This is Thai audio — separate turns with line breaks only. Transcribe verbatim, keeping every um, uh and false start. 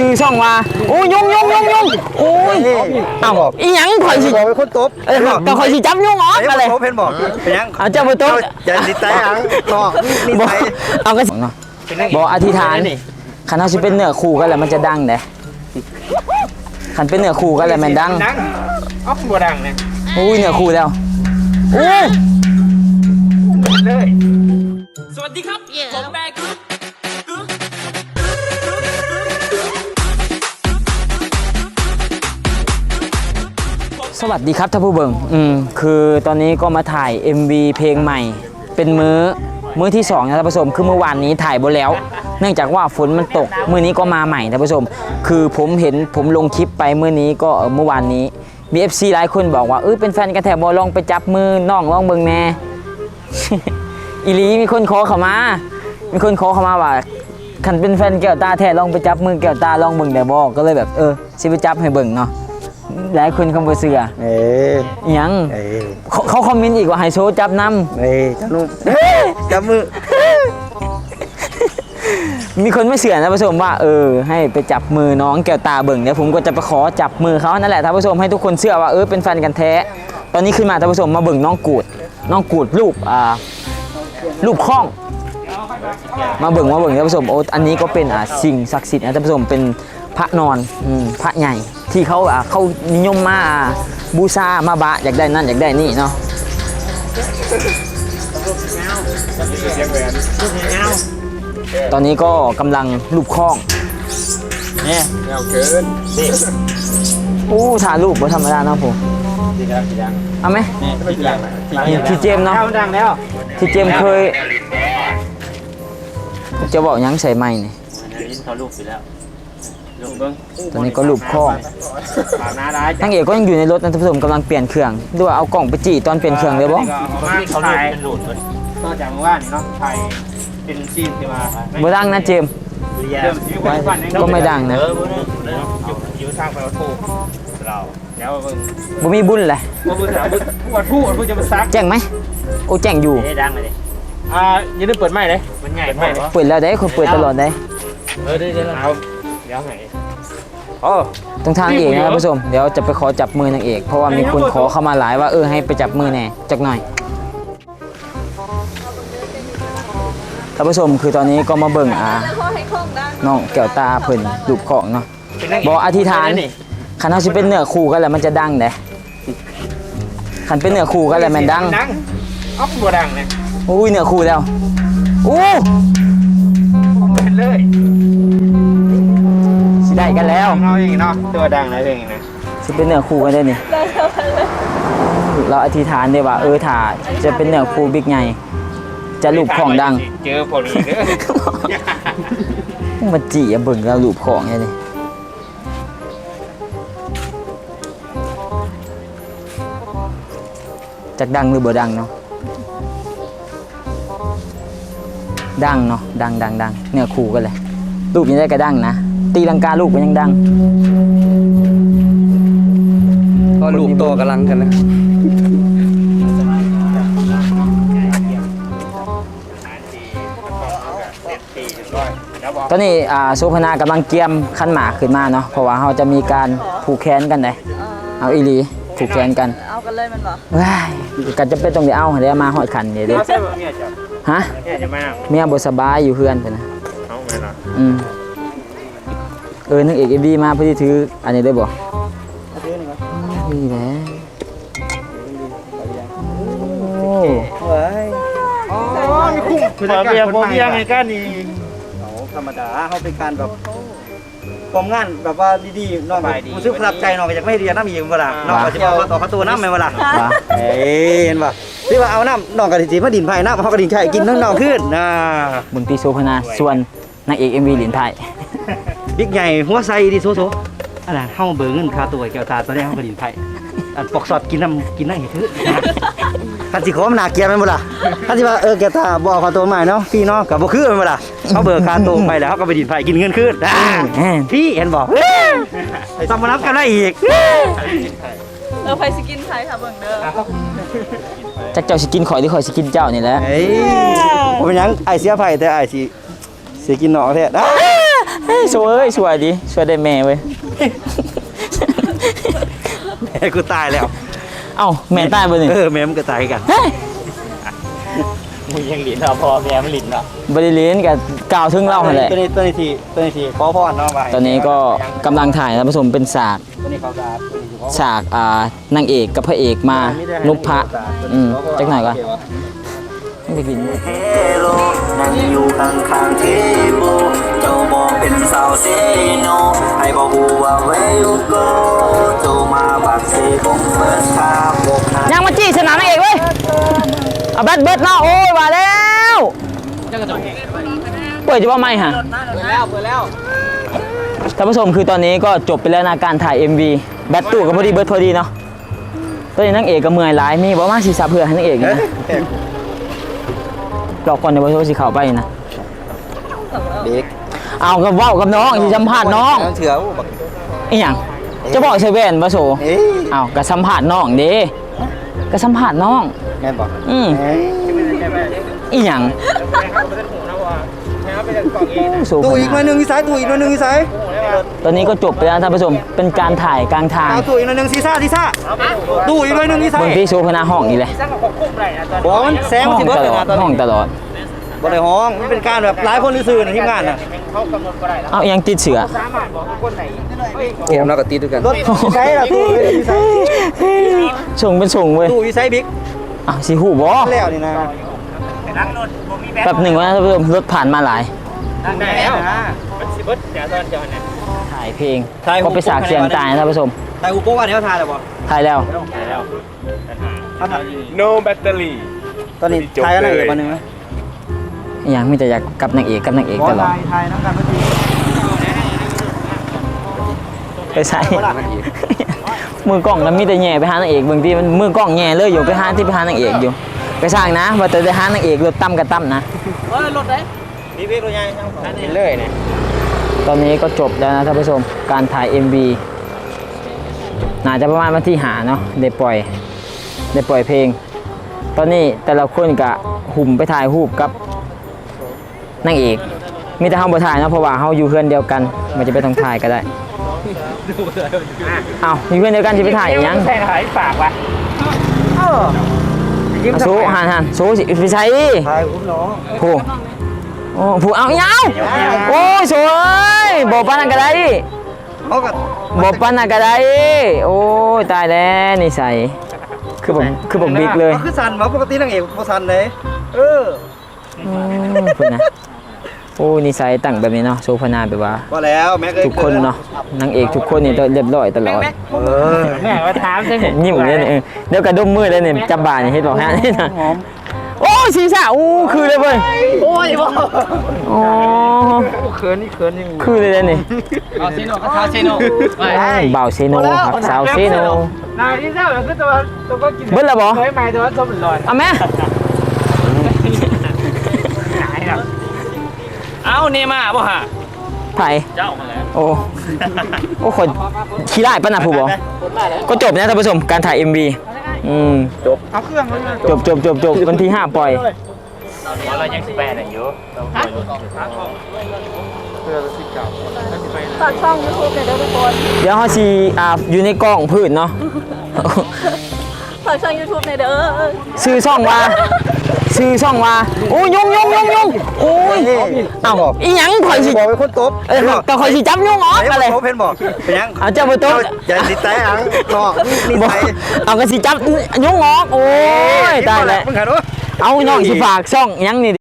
ชื่อช่องว่าโอ้ยงยงยงยงโอ้ยเอ้าอีหยังข่อยสิ
บอกเป็นคนตบ
เออก็ข่อยสิจับยงออกมาเลย
เพนบอกเป็นยัง
เอาเจ้าบ่ตบ
อย่าดิใจอังนอกนี่ใจ
เอาก็เนาะบ่อธิษฐานคันเฮาสิเป็นเนื้อคู่กันแล้วมันจะดังเด้คันเป็นเนื้อคู่กันแล้วมันดัง
ดังอ๊อกบ่ดังเนี่ย
โอ้ยเนื้อคู่แล้วโอ้
เลย
สวัสดีครับผมแบก
สวัสดีครับท่านผู้เบิ่งอืมคือตอนนี้ก็มาถ่าย เอ็ม วี เพลงใหม่เป็นมื้อมื้อที่สองนะท่านผู้ชมคือเมื่อวานนี้ถ่ายไปแล้วเนื่องจากว่าฝนมันตกมื้อนี้ก็มาใหม่ท่านผู้ชมคือผมเห็นผมลงคลิปไปมื้อนี้ก็เมื่อวานนี้มี เอฟ ซี หลายคนบอกว่าเออเป็นแฟนกันแถบบอลองไปจับมือน้องลองเบิ่งแน่ อีหลีมีคนขอเข้ามามีคนขอเข้ามาว่าคันเป็นแฟนแก้วตาแท้ลองไปจับมือแก้วตาลองเบิ่งได้บ่ก็เลยแบบเออสิไปจับให้เบิ่งเนาะหลายคนเขาบ่เชื่อ
เอ๊ะ
ยังเขาคอมเมนต์อีกว่าให้โชว์จับนำ
เอ้ยจับนุ่มจับมือ
มีคนไม่เชื่อนะท่านผู้ชมว่าเออให้ไปจับมือน้องแก้วตาเบิ่งเดี๋ยวผมก็จะไปขอจับมือเขานั่นแหละท่านผู้ชมให้ทุกคนเชื่อว่าเออเป็นแฟนกันแท้ตอนนี้ขึ้นมาท่านผู้ชมมาเบิ่งน้องกูดน้องกูดรูปอ่ารูปคล้องมาเบิ่งมาเบิ่งท่านผู้ชมโอ้อันนี้ก็เป็นอ่าสิ่งศักดิ์สิทธิ์นะท่านผู้ชมเป็นพระนอนอืมพระใหญ่ที่เขาอ่าเขานิยมมาบูชามาบะอยากได้นั่นอยากได้นี่เนาะตอนนี้ก็กำลังรูปคล้องเนี่ย
เงาเกินนี่
โอ้ถ่ายรูปบ่ธรรมดาเนาะผม
ดีครับดียัง
เอาไหมที่เจมเนาะ
ดังแล้ว
ที่เจมเคยจะบอกยังใส่ไม้นี่
เขารูปไปแล้วรูปเบิ้ง
ตอนนี้ก็รูปคล้องนางเอกก็ยังอยู่ในรถนะท่านผู้ชมกำลังเปลี่ยนเครื่องดูว่าเอากล่องไปจีตอนเปลี่ยนเครื่องเลยบ่
เขาถ่ายเป็นหลุดเลยก็จากเมื่อวานเนาะถ่ายเป็นซีนที่มา
บ่ดังนะเจมก็ไม่ดังนะ
อยู่ทางไปวัดพูเราแล้ว
บ่มีบุญเลย
วัดพูวัดพูวัดพูจะมาซัก
แจ้งไหมโอ้แจ้งอยู่
ดังเลยอ่าอย่าลืมเปิดไม้เลยมันใหญ่ไม้
เปิดแล้วได้คนเปิดตลอดได้
เออได้เดี๋ยวเอาเดี๋ยวไงอ๋อ
ตรงทางเอกนะท่านผู้ชมเดี๋ยวจะไปขอจับมือนางเอกเพราะว่ามีคนขอเข้ามาหลายว่าเออให้ไปจับมือแน่จักหน่อยท่านผู้ชมคือตอนนี้ก็มาเบิ่งอ่าน้องแก้วตาเพิ่นรูปของเนาะบอกอธิษฐานคันเฮาสิเป็นเนื้อคู่กันแล้วมันจะดังเด้คันเป็นเนื้อคู่กันแล้วมันดัง
ดังอ๊อกบ่ดังเนี่ย
โอ้ยเนื้อคู่แล้วโอ้
เป็นเลย
สิได้กันแล้ว
เราอย่างนี้เนาะตัวดังนะอย่างนี้นะ
สิเป็นเนื้อคู่กันได้นี่เราอธิษฐานได้ว่าเออถ้าจะเป็นเนื้อคู่บิ๊กใหญ่จะรูปของดัง
เจอพอดีเด้
อมาจีเบิ่งแล้วรูปของไงนี่จักดังหรือบ่ดังเนาะดังเนาะดังดังดังเนื้อคู่กันเลยรูปยังได้กระดังนะตีลังกาลูกมันยังดัง
ก็ลูกโตกำลังกันนะ
ตอนนี้โซพนากำลังเกียมขั้นหมากขึ้นมาเนาะเพราะว่าเขาจะมีการผูกแขนกันเลยเอาอีหลีผูกแขนกัน
เอากันเลยมันบ่
ว้ายกันจะเป็นตรงเดี๋ยวเอาเดี๋ยวมาหอดขันเดี๋ยวดิฮะเมียบสบายอยู่เพื่อนเถอะนะอืมเออนึกเอกเอ็มดีมาเพื่อที่ถืออันนี้ได้บ่นี่แหละโอ้
ยอ๋อมีคุ้มคือเบียร์โบเบียร์ไงกันนี่
ธรรมดาเขาเป็นการแบบกองงานแบบว่าดีๆน้องรู้สึกประทับใจน้องก็จะไม่เรียนน้ำอีกเวลาน้องก็จะบอกต่อเขาตัวน้ำไหมเวลาเอ้ยเห็นป่ะที่ว่าเอาน้ำน้องกระดิ่งมาดินไผ่น้ำเขากระดิ่งไข่กินน้องน้องขึ้นนะ
บุญปีโซพนาส่วนนางเอกเอ็มวีหลินไทย
บิ๊กใหญ่หัวไซดีโซโซอะไรเข้าเบอร์เงินคาตัวแก้วตาตอนนี้เขากระดิ่งไผ่อันปอกสอดกินน้ำกินน้ำเห็ดทื่อท่านสิขอมันหนาเกียร์ไหมบ่ล่ะท่านสิว่าเออแกตาบอกคาตัวใหม่เนาะพี่เนาะกับบ่คือไหมบ่ล่ะเขาเบิกคาตัวไปแล้วเขาก็ไปดินไฟกินเงินขึ้นพี่เห็นบอกต้องมารับกันได้อีก
เออไฟสกินไทยค่ะเบิ่งเด้อ
จักเจ้าสิกินข่อยหรือข่อยสิกินเจ้านี่แหละ
เฮ้ยผมเป็นยังไอเสียไผ่แต่ไอสิเสียกินหนอแท้
สวยสวยดิสวยได้แม่เว้ย
แม่กูตายแล้ว
เอ้าแม่ตายบ่นี่
เออแม่มันก็ตายกัน
เฮ้ย
มึงยังหลินเราพอแม่มันหลินเนาะ
บ่ได้เรียนกับกล่าวถึงเราหั่นแหละ
ตัวนี้ตัวนี้ทีตัวนี้ทีขอพรเนาะไป
ตอนนี้ก็กำลังถ่ายท่านผู้ชมเป็นฉาก
ตัวนี้เขาตาตัวนี้ขอ
ฉากอ่านางเอกกับพระเอกมาลุกพระอืมจักหน่อยก่อนไม่ได้กิน
เฮโลนั่งอยู่ข้างข้างๆเทโบเจ้าบอกเป็นสาวเซโนให้บอกกูว่า where you go เจ้ามาบักเซคงเปิดทางบอกหา
ยังมาจี้สนามนางเอกเว้ยเอาแบตเบิดเนาะโอ้ยมาแล้วเปิดจะว่าไม่ฮะ
เปิดแล้วเปิดแล้ว
ท่านผู้ชมคือตอนนี้ก็จบไปแล้วนะการถ่าย เอ็ม วี แบตตู้กับพอดีเบิดพอดีเนาะตอนนี้นางเอกก็เมื่อยหลายมีบอกว่าสีสับเพื่อให้นางเอกนะรอก่อนเดี๋ยวโทรสีขาวไปนะ
เด็ก
เอากับว่าวกับน้องที่สัมภาษณ์น้อง
เถื่อบัก
อีหยังจะบอกเซเว่นปะโซ
เอ้ย
เอากับสัมภาษณ์น้องเด้กับสัมภาษณ์น้อง
แม่นบอก
อืม
เอ้ย
อีหยัง
แม่เขาเป็นหูนะว่าแม่เขาเป็นกล่องเองนะ
โซ
ตู้อีกหน่อยหนึงอีสายตู้อีกหน่อยหนึงอีสาย
ตอนนี้ก็จบไปแล้วท่านผู้ชมเป็นการถ่ายกลางทาง
เอาตู้อีกหน่อยหนึงซีซ่าซีซ่าตู้อีกหน่อยหนึงอีสาย
บนที่โซพนาห้องอีเลย
สร้างของคุ้มไรนะตอน
บอกมันแซง
ห้
มัน
อง
สิเบิด
ต
เลย
ลอด
นะตอน
ห้อง
นี้
ตลอด
บ่ได้ห้องมันเป็นการแบบหลายคนซื่อๆนะทีมงานน่ะ
เขากำหนดก็ได้แล้ว
เอายังติดเสือ
สามารถบอกคนไหน
เกมเราก็ตีด้วยกันรถอีสายล่ะตู้อีสาย
ส่งเป็นส่งเว้ย
ตู้อีสายบิ๊ก
อ้าวสีหูบอ
แล้วนี่นะ
นั่งรถผมมีแบ
แบบหนึ่งว่าท่านผู้ชมรถผ่านมาหลาย
นั่งได้แล้วมันสิบดเดี๋ยวตอนเจอเนี่ย
ถ่ายเพลงก็ไปสากเสียงตายนะท่านผู้ชม
แต่อุปกรณ์เดี๋ยวทายแล้วบ่
ถ่ายแล้ว
แล้ว
ถ้าทาย
no battery
ตอนนี้ทายกันได้อีกวันหนึงไหม
อหย่างมีแต่อยากกับนางเอกกับนางเอกตลอด
ทายทายน้ำกันพอดี
ไปใส่ มือกล้องแล้วมีแต่แย่ไปหานางเอกบางทีมันมือกล้องแย่เลยอยู่ไปหาที่ไปหานางเอกอยู่ไปสร้างนะว่าแต่จะหานางเอกรถตั้มกับตั้มนะ
นี่พี่ตัวใหญ่ช่างของ
เห็นเลยเนี่ย
ตอนนี้ก็จบแล้วนะท่านผู้ชมการถ่าย เอ็ม วี น่าจะประมาณวันที่หาเนาะได้ปล่อยได้ปล่อยเพลง ตอนนี้แต่ละคนก็หุ่มไปถ่ายรูปกับนางเอกมีแต่เฮาบ่ถ่ายเนาะเพราะว่าเฮาอยู่เพื่อนเดียวกันมันจะไปต้องถ่ายก็ได้อ้าวอยู่เพื่อนเดียวกันสิไปถ่ายอีหยัง
ใส่ถ่ายฝากว่ะ
อ่ะสู้หันหันสู้สิไปใช้
ทายคุณน้อง
ผู้โอ้ผู้เอายาวโอ้ยสวยบ่ปานนั้นก็ได้
เขาก็
บ่ปานนั้นก็ได้โอ้ยตายแล้วนิสัยคือผมคือผมบิ๊กเลย
คือสันวะปกตินางเอกบ่สันเลยเออ
อืมพุ่นนะโอ้นิสัยตั้งแบบนี้เนาะโซฟานาแบบว่า
ว่าแล้วแม็กเอ้ย
ทุกคนเนาะนางเอกทุกคนนี่ต้องเรียบร้อยตลอด
เออ
แม่มาถามใช่ไหม
ยิ้มเลยนี่เออเดี๋ยวกระดุมมือเลยนี่จับบ่านี่เฮ็ดบอกฮะนี่นะ
หอม
โอ้ศีรษะอู้คือเลยเว้ย
โอ้ยบ่
อ๋อ
เขินนี่เขินยัง
คือเลยเลยนี่
เอาเซโนก็เท้าเซโน
บ่าวเซโนครับสาวเซโน
นายที่เจ้าคือตัวตัวก็กิน
เบิ้ลละบ่
เคยมาตัวส้มหลอด
เอาแม่
เอาเนม่าบ่ฮะ
ไผ่
เจ้ามาแล้ว
โอ้โอ้คนขี้ได้ปะนะผู้บอกก็จบนะท่านผู้ชมการถ่าย เอ็ม วี อืม
เอาเครื่องเลย
จบจบจบจบวันที่ห้าปล่อย
เรายังสิบแปดอยู่
ฝากช่อง ยูทูบหน่อยเด้อทุกคน
เดี๋ยวเขาชีอ่าอยู่ในกล้องพืชเนาะ
ฝากช่อง ยูทูบหน่อยเด้อ
ซื้อช่องว่าซื้อช่องว่าโอ้ยยุงยุงยุงยุงโอ้ยเอ้าอีหยังข่อยสิ
บอกเป็นคนตบ
เออแต่ข่อยสิจับยุงออก
เอ้ย
อะไร
ตบเห็นบอกเป็นยัง
เอาเจ้าไปโต๊ะ
อย่าติดใจอังนอกนี่
บอก
ใจ
เอากระสิจับยุงออกโอ้ยตายแล้ว
มึงขันวะ
เอาน้องสิฝากช่องหยังนี่